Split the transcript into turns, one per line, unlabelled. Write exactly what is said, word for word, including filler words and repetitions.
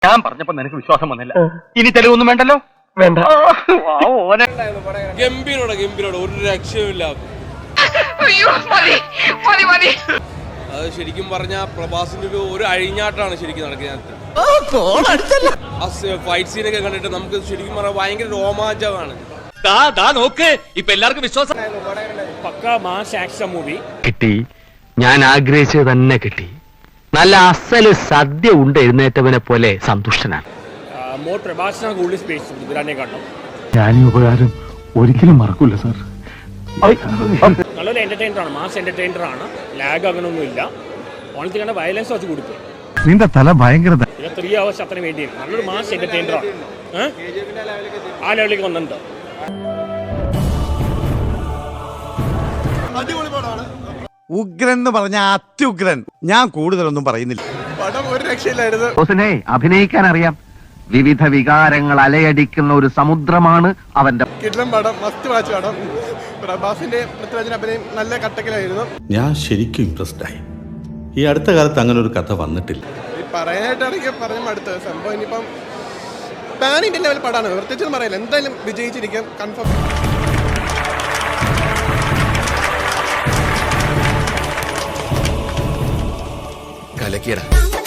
ഞാൻ പറഞ്ഞപ്പോ നിനക്ക് വിശ്വാസം വന്നില്ല. ഇനി തെളിവൊന്നും വേണ്ടല്ലോ.
വേണ്ട.
ഗംഭീരോടെ ഗംഭീരോടെ ഒരു രക്ഷയുമില്ല. അത് ശരിക്കും പറഞ്ഞ പ്രഭാസിന്റെ ഒരു ഒരു അഴിഞ്ഞാട്ടാണ് ശരിക്കും നടക്കുന്നത്. ഫൈറ്റ് സീനൊക്കെ കണ്ടിട്ട് നമുക്ക് ശരിക്കും പറഞ്ഞാൽ ഭയങ്കര രോമാഞ്ചമാണ്.
ഇപ്പൊ എല്ലാവർക്കും വിശ്വാസം.
പക്കാ മാസ് ആക്ഷൻ മൂവി
കിട്ടി. ഞാൻ ആഗ്രഹിച്ചത് തന്നെ കിട്ടി. നല്ല അസല് സദ്യ ഉണ്ട് എഴുന്നേറ്റവനെ പോലെ സന്തുഷ്ടനാണ്.
മോർ പ്രഭാസിനാണ് കൂടുതൽ സ്പേസ് ഇതിനെ കാണണം.
ഞാൻ ഈ ഉപകാരം ഒരിക്കലും മറക്കൂല സാർ.
നല്ലൊരു എന്റർടൈനർ ആണ്, മാസ് എന്റർടൈനർ ആണ്. ലാഗ് അങ്ങനൊന്നും ഇല്ല. ഓണത്തിൽ കണ്ട വയലൻസ് വെച്ച് കൊടുക്കും.
നിന്റെ തല ഭയങ്കര
ത്രീ അവേഴ്സ് അത്ര വേണ്ടി നല്ലൊരു മാസ് എന്റർടൈനർ ആണ്. ആ ലെവലിലേക്ക് വന്നിട്ടുണ്ട്.
ഉഗ്രൻ എന്ന് പറഞ്ഞ അത്യുഗ്രൻ. ഞാൻ കൂടുതലൊന്നും പറയുന്നില്ല.
പടം ഒരു രക്ഷയില്ലായിരുന്നു.
ബോസിനെ അഭിനയിക്കാൻ അറിയാം. വിവിധ വികാരങ്ങൾ അലയടിക്കുന്ന ഒരു സമുദ്രമാണ് അവന്റെ.
കിട്ടുന്ന പടം മസ്റ്റ് വാച്ച് പടം. പ്രഭാസിന്റെ പൃഥ്വിരാജിന്റെ അഭിനയം നല്ല കട്ടക്കിലായിരുന്നു.
ഞാൻ ശരിക്കും ഇൻട്രസ്റ്റ് ആയി. ഈ അടുത്ത കാലത്ത് അങ്ങനെ ഒരു കഥ വന്നിട്ടില്ല.
പറയാനായിട്ടാണെങ്കിൽ പറഞ്ഞ അടുത്ത സംഭവം ഇനിയിപ്പം പാൻ ഇന്ത്യൻ ലെവൽ പടമാണ്. പ്രത്യേകിച്ചൊന്നും പറയില്ല. എന്തായാലും വിജയിച്ചിരിക്കും കൺഫേം.
കലക്കിയട